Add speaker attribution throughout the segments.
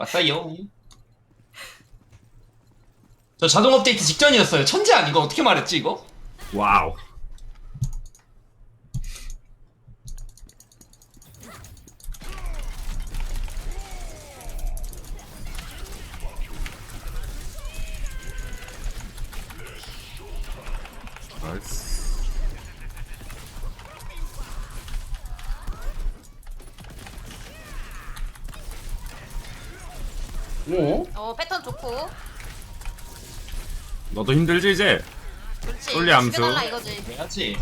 Speaker 1: 맞아요. 저 자동 업데이트 직전이었어요. 천재 아니고 어떻게 말했지 이거?
Speaker 2: 와우. 나이스.
Speaker 3: 어 패턴 좋고.
Speaker 2: 너도 힘들지 이제?
Speaker 3: 그렇지.
Speaker 2: 솔리 암수.
Speaker 3: 죽여달라 이거지.
Speaker 1: 해야지.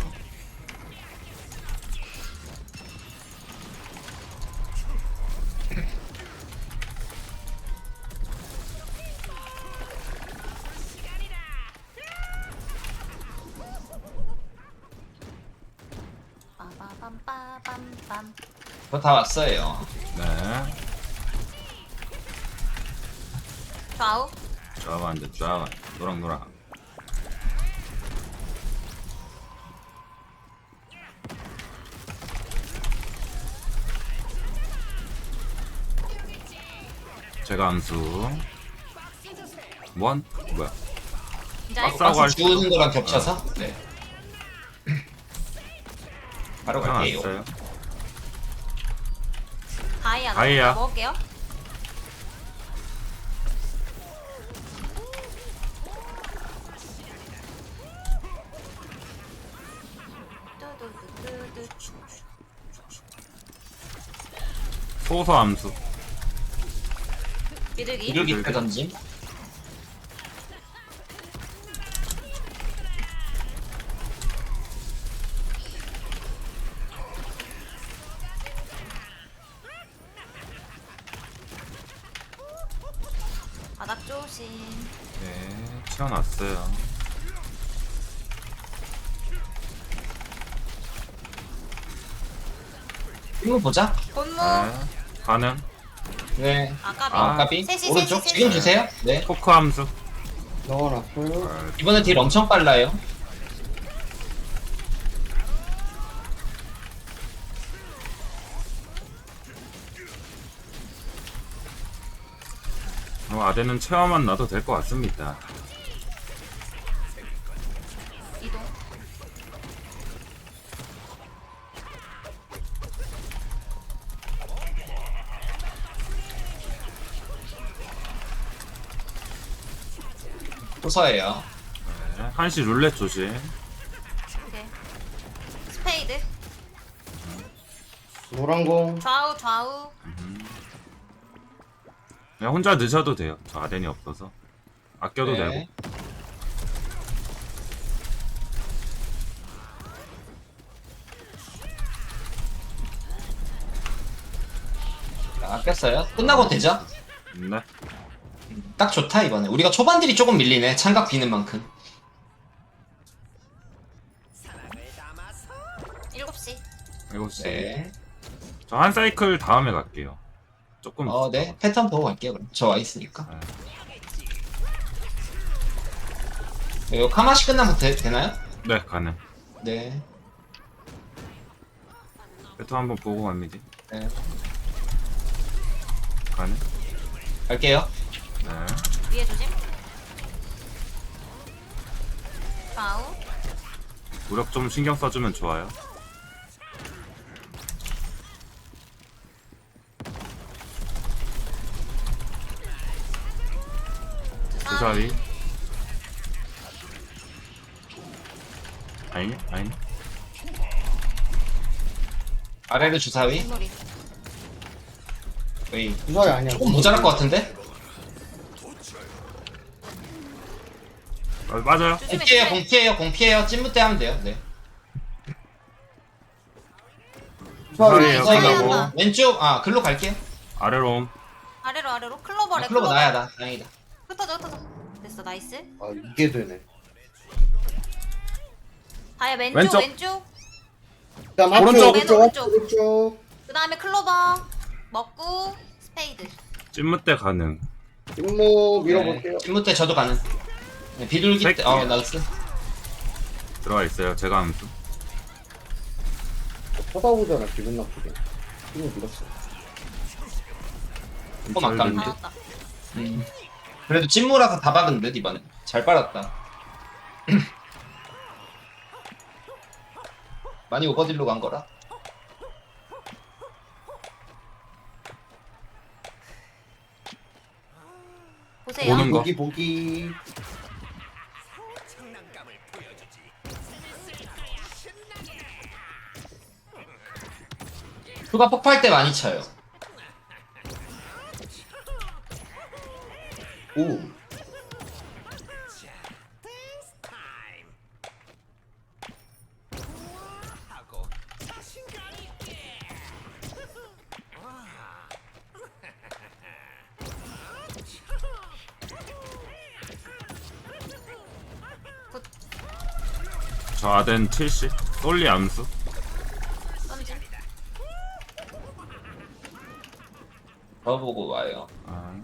Speaker 3: 빠바밤빠밤빰.
Speaker 1: 저 다 왔어요.
Speaker 2: 네.
Speaker 3: 좌우.
Speaker 2: 좌우 안 돼, 좌우. 노랑노랑. 제가 암수. 원? 뭐야?
Speaker 3: 이제
Speaker 2: 빡 싸고 할
Speaker 1: 주는 거랑 겹쳐서? 네. 바로 갈게요.
Speaker 2: 왔어요.
Speaker 3: 다이아.
Speaker 2: 다이아.
Speaker 3: 먹을게요. 뚜두두두두.
Speaker 2: 소소 암수.
Speaker 3: 비둘기.
Speaker 1: 이륙이 때 던짐.
Speaker 3: 바닥 조심.
Speaker 2: 네, 튀어났어요.
Speaker 1: 한번 보자.
Speaker 3: 본무.
Speaker 2: 네, 가능.
Speaker 1: 네.
Speaker 3: 아까비.
Speaker 2: 아,
Speaker 1: 까비.
Speaker 3: 셋이,
Speaker 1: 오른쪽.
Speaker 3: 셋이,
Speaker 1: 지금
Speaker 3: 셋이.
Speaker 1: 주세요. 네.
Speaker 2: 포크 암수.
Speaker 4: 넣어놨어요.
Speaker 2: 아,
Speaker 1: 이번에 딜 엄청 빨라요.
Speaker 2: 아대는 체험만 놔도 될 것 같습니다.
Speaker 3: 이동.
Speaker 1: 호서예요.
Speaker 2: 네, 한시 룰렛 조심.
Speaker 3: 오케이. 스페이드.
Speaker 4: 노란공.
Speaker 3: 좌우 좌우.
Speaker 2: 그냥 혼자 늦어도 돼요. 저 아덴이 없어서. 아껴도
Speaker 1: 네.
Speaker 2: 되고.
Speaker 1: 아꼈어요. 끝나고 되죠?
Speaker 2: 네.
Speaker 1: 딱 좋다 이번에. 우리가 초반들이 조금 밀리네. 창각 비는 만큼.
Speaker 3: 7시.
Speaker 2: 이거
Speaker 1: 네.
Speaker 2: 저 한 사이클 다음에 갈게요. 조금.
Speaker 1: 네. 패턴 보고 갈게요. 그럼. 저 와 있으니까. 이거 카마시 끝나면 되나요?
Speaker 2: 네, 가능.
Speaker 1: 네.
Speaker 2: 배터 한번 보고 갑니다.
Speaker 1: 네.
Speaker 2: 가능.
Speaker 1: 갈게요.
Speaker 2: 네.
Speaker 3: 위에 조심. 좌우.
Speaker 2: 무력 좀 신경 써주면 좋아요. 주사위. 아니네? 아니네?
Speaker 1: 아래로 주사위.
Speaker 3: 인물이.
Speaker 1: 웨이.
Speaker 4: 주사위 아니야.
Speaker 1: 조금 모자랄 것 같은데?
Speaker 2: 맞아요.
Speaker 3: 조심해.
Speaker 1: 공피해요,
Speaker 3: 조심해.
Speaker 1: 공피해요, 공피해요. 찐무대 하면 돼요. 네.
Speaker 4: 주사위.
Speaker 2: 주사위요.
Speaker 3: 주사위
Speaker 2: 끝나고.
Speaker 3: 한다.
Speaker 1: 왼쪽, 글로 갈게요.
Speaker 2: 아래로 옴.
Speaker 3: 아래로 클로버래.
Speaker 1: 클로버 나야, 나. 다행이다.
Speaker 3: 흩어져. 됐어 나이스.
Speaker 4: 아 이게 되네.
Speaker 3: 다이아 왼쪽
Speaker 2: 왼쪽.
Speaker 3: 왼쪽.
Speaker 4: 그다음
Speaker 2: 오른쪽.
Speaker 4: 오른쪽.
Speaker 3: 오른쪽.
Speaker 4: 오른쪽.
Speaker 3: 그 다음에 클로버 먹고 스페이드.
Speaker 2: 찐무 때 가능.
Speaker 4: 임무 밀어볼게요.
Speaker 1: 찐무대 저도 가는. 네, 비둘기 때,
Speaker 2: 새끼야.
Speaker 1: 나이스.
Speaker 2: 들어가 있어요. 제가 암수.
Speaker 4: 쳐다보잖아 기분 나쁘게. 임무 밀었어.
Speaker 1: 조금 아깝네.
Speaker 3: 나왔다.
Speaker 1: 그래도 찐무라서 다 박은 듯 이번에. 잘 빨았다. 많이 오버딜로 간 거라.
Speaker 3: 보세요.
Speaker 2: 오는 거.
Speaker 4: 보기.
Speaker 1: 휴가 폭발 때 많이 쳐요.
Speaker 4: 오.
Speaker 2: 저 아덴 70. 솔리 암수.
Speaker 3: 던짐.
Speaker 1: 더 보고 와요.
Speaker 2: 아.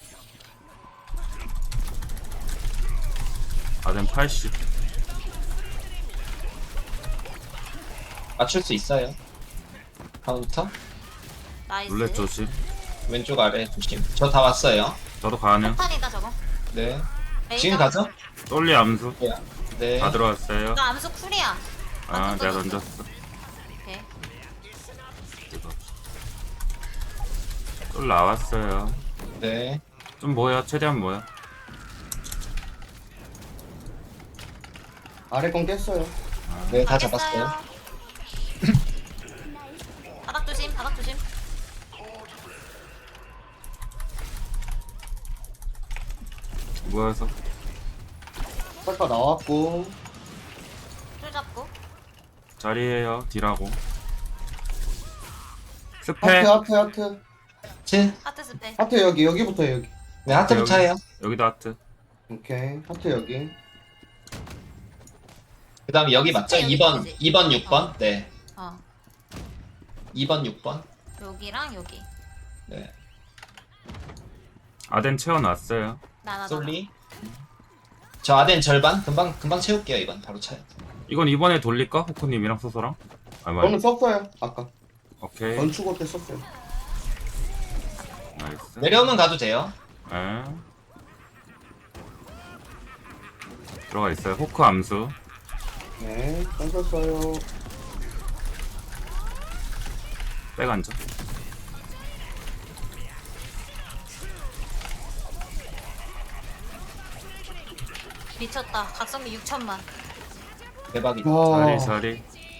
Speaker 2: 아덴 80.
Speaker 1: 맞출 수 있어요. 카운터.
Speaker 3: 나이스.
Speaker 2: 룰렛 조심.
Speaker 1: 왼쪽 아래 조심. 저 다 왔어요.
Speaker 2: 저도 가능.
Speaker 3: 폭탄이다 저거.
Speaker 1: 네.
Speaker 3: 레이저.
Speaker 1: 지금 가죠?
Speaker 2: 솔리 암수.
Speaker 1: 네.
Speaker 2: 다 들어왔어요.
Speaker 3: 나 암수 쿨이야.
Speaker 2: 아, 내가
Speaker 3: 던졌어.
Speaker 2: 던졌어.
Speaker 3: 오케이.
Speaker 2: 이거. 솔 나왔어요.
Speaker 1: 네.
Speaker 2: 좀 모여. 최대한 모여.
Speaker 4: 아래 건 깼어요.
Speaker 1: 네, 다
Speaker 3: 깼어요.
Speaker 1: 잡았어요.
Speaker 3: 바닥 조심. 바닥 조심.
Speaker 2: 모여서.
Speaker 4: 빨파 나왔고.
Speaker 3: 줄 잡고.
Speaker 2: 자리에요. 딜하고. 스페.
Speaker 4: 하트.
Speaker 1: 7.
Speaker 3: 하트 스페.
Speaker 4: 하트 여기부터 여기.
Speaker 1: 네, 하트부터 해요.
Speaker 2: 여기도 하트.
Speaker 4: 오케이. 하트 여기.
Speaker 1: 그 다음에 여기 맞죠?
Speaker 3: 여기
Speaker 1: 2번,
Speaker 3: 있지.
Speaker 1: 2번, 6번. 네.
Speaker 3: 어.
Speaker 1: 2번, 6번.
Speaker 3: 여기랑 여기.
Speaker 1: 네.
Speaker 2: 아덴 채워놨어요.
Speaker 3: 나나.
Speaker 1: 솔리. 저 아덴 절반. 금방 채울게요, 이번. 바로 차요.
Speaker 2: 이건 이번에 돌릴까? 호크님이랑 소소랑? 아,
Speaker 4: 저는
Speaker 2: 맞아.
Speaker 4: 썼어요. 아까.
Speaker 2: 오케이.
Speaker 4: 건축할 때 썼어요.
Speaker 2: 나이스.
Speaker 1: 내려오면 가도 돼요.
Speaker 2: 에. 들어가 있어요. 호크 암수.
Speaker 4: 네. 던졌어요.
Speaker 2: 백 앉아.
Speaker 3: 미쳤다. 각성비 6천만.
Speaker 1: 대박이다.
Speaker 2: 자리 자리.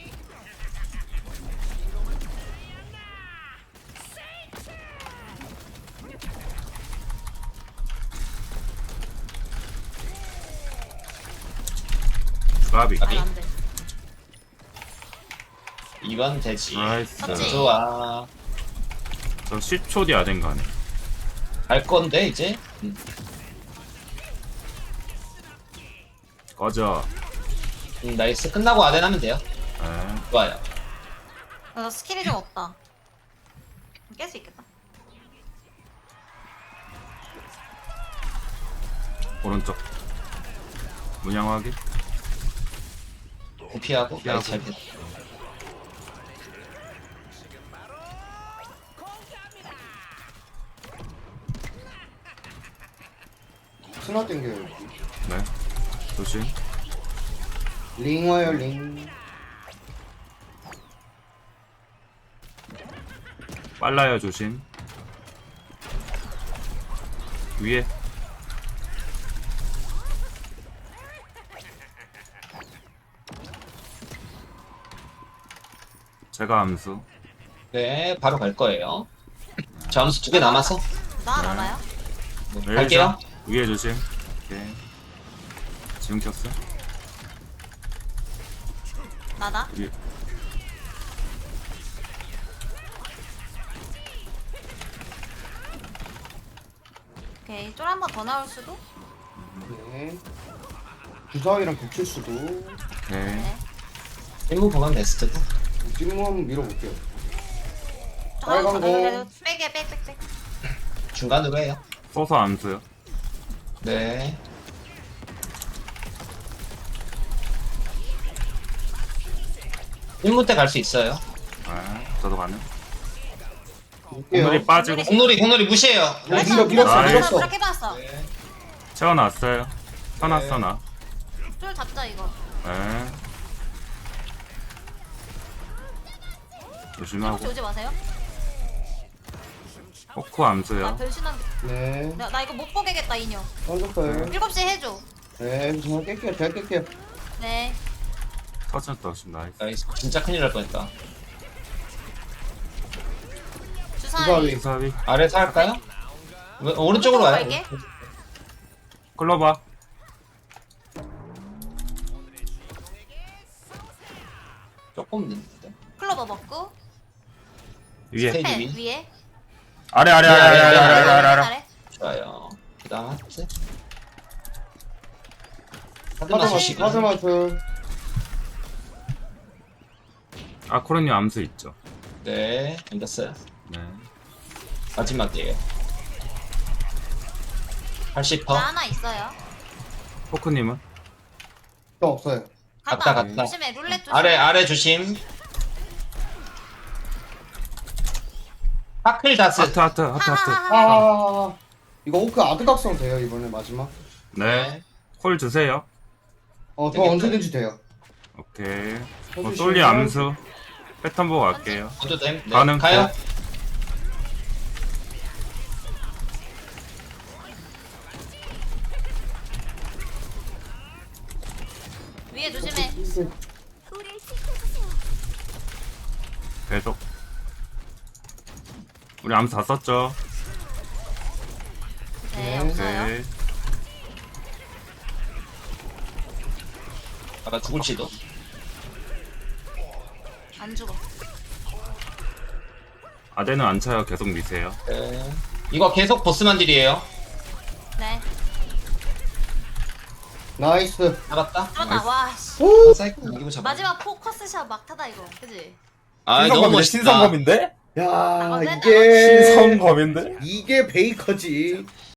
Speaker 2: 까비.
Speaker 1: 까비.
Speaker 3: 안 돼.
Speaker 1: 2번 되지.
Speaker 2: 나이스.
Speaker 3: 맞지?
Speaker 1: 좋아.
Speaker 2: 저 10초 뒤 아덴 가네.
Speaker 1: 갈 건데, 이제.
Speaker 2: 꺼져.
Speaker 1: 나이스. 끝나고 아덴 하면 돼요.
Speaker 2: 에.
Speaker 1: 좋아요.
Speaker 3: 나 스킬이 좀 없다. 깰 수 있겠다.
Speaker 2: 오른쪽. 문양 확인.
Speaker 1: 피하고.
Speaker 2: 피하고.
Speaker 1: 나이스, 잘 피했다.
Speaker 4: 스나 땡겨요.
Speaker 2: 네. 조심.
Speaker 4: 링 와요 링.
Speaker 2: 빨라요 조심. 위에. 제가 암수.
Speaker 1: 네, 바로 갈 거예요. 저 암수 2개 남아서.
Speaker 3: 나
Speaker 2: 네.
Speaker 3: 알아요?
Speaker 1: 네, 갈게요.
Speaker 2: 위에 조심. 오케이. 지금 켰어.
Speaker 3: 나다.
Speaker 2: 위에.
Speaker 3: 오케이. 쫄 한 번 더 나올 수도?
Speaker 4: 네. 주사위랑 겹칠 수도.
Speaker 2: 오케이.
Speaker 3: 네.
Speaker 1: 임무 보면 베스트고.
Speaker 4: 찜무 한번 밀어볼게요.
Speaker 3: 저
Speaker 4: 빨간 거.
Speaker 3: 빼게 백.
Speaker 1: 중간으로 해요.
Speaker 2: 써서 암수요.
Speaker 1: 네. 임무 때 갈 수 있어요.
Speaker 2: 아, 저도 가능. 오늘이 빠지고
Speaker 1: 공놀이 무시해요.
Speaker 4: 밀었어.
Speaker 2: 나이스.
Speaker 3: 그렇게 봤어.
Speaker 2: 채워놨어요. 쳐놨어 나.
Speaker 3: 쫄 잡자 이거.
Speaker 2: 네. 조심하고.
Speaker 3: 혹시 오지 마세요.
Speaker 2: 포크 암수요.
Speaker 3: 나 변신한.
Speaker 4: 네.
Speaker 3: 나 이거 못 보게겠다 인형.
Speaker 4: 던졌어요.
Speaker 3: 7시 해줘.
Speaker 4: 네, 저 깰게요. 잘 깰게요.
Speaker 3: 네.
Speaker 2: 터졌다 조심 나이스.
Speaker 1: 나이스. 진짜 큰일 날 뻔했다.
Speaker 3: 주사위.
Speaker 4: 주사위.
Speaker 2: 수사비.
Speaker 1: 아래서 할까요? 오른쪽으로 와요.
Speaker 3: 갈게.
Speaker 2: 클로바.
Speaker 1: 조금 늦는데.
Speaker 3: 클로버 먹고.
Speaker 2: 위에.
Speaker 1: 스테이지
Speaker 3: 펜
Speaker 1: 위.
Speaker 3: 위에.
Speaker 2: 아래.
Speaker 3: 아래.
Speaker 1: 좋아요. 그 다음 하트. 하드
Speaker 4: 카드
Speaker 1: 마시고.
Speaker 4: 마트.
Speaker 2: 아코르님 암수 있죠.
Speaker 1: 네, 앉았어요.
Speaker 2: 네.
Speaker 1: 마지막이에요. 80%.
Speaker 3: 나 하나 있어요.
Speaker 2: 포크님은?
Speaker 4: 저 없어요.
Speaker 1: 갔다.
Speaker 3: 조심해 룰렛 조심.
Speaker 1: 아래 조심. 파클 다스.
Speaker 2: 하트.
Speaker 4: 아, 이거 오크 아드각성 돼요 이번에 마지막.
Speaker 2: 네. 콜 주세요.
Speaker 4: 저
Speaker 1: 되겠다.
Speaker 4: 언제든지 돼요.
Speaker 2: 오케이.
Speaker 4: 해주시면
Speaker 2: 솔리 암수. 패턴 보고 갈게요.
Speaker 1: 저도 됨. 네.
Speaker 2: 가능.
Speaker 1: 가요.
Speaker 3: 위에 조심해.
Speaker 2: 계속. 우리 암수 다 썼죠?
Speaker 3: 네
Speaker 4: 네.
Speaker 3: 없어요.
Speaker 2: 오케이.
Speaker 1: 아까 죽을지도.
Speaker 3: 안 죽어.
Speaker 2: 아대는 안 차요. 계속 미세요.
Speaker 1: 네. 이거 계속 보스만 딜이에요.
Speaker 3: 네.
Speaker 4: 나이스.
Speaker 1: 잡았다.
Speaker 3: 잡았다. 와 씨.
Speaker 4: 오,
Speaker 1: 사이클 이기고 잡아.
Speaker 3: 마지막 포커스샷 막타다 이거. 그지?
Speaker 1: 아, 너무 멋있다.
Speaker 5: 신성검인데?
Speaker 4: 야,
Speaker 3: 아,
Speaker 4: 이게
Speaker 5: 신성검인데?
Speaker 4: 이게 베이커지.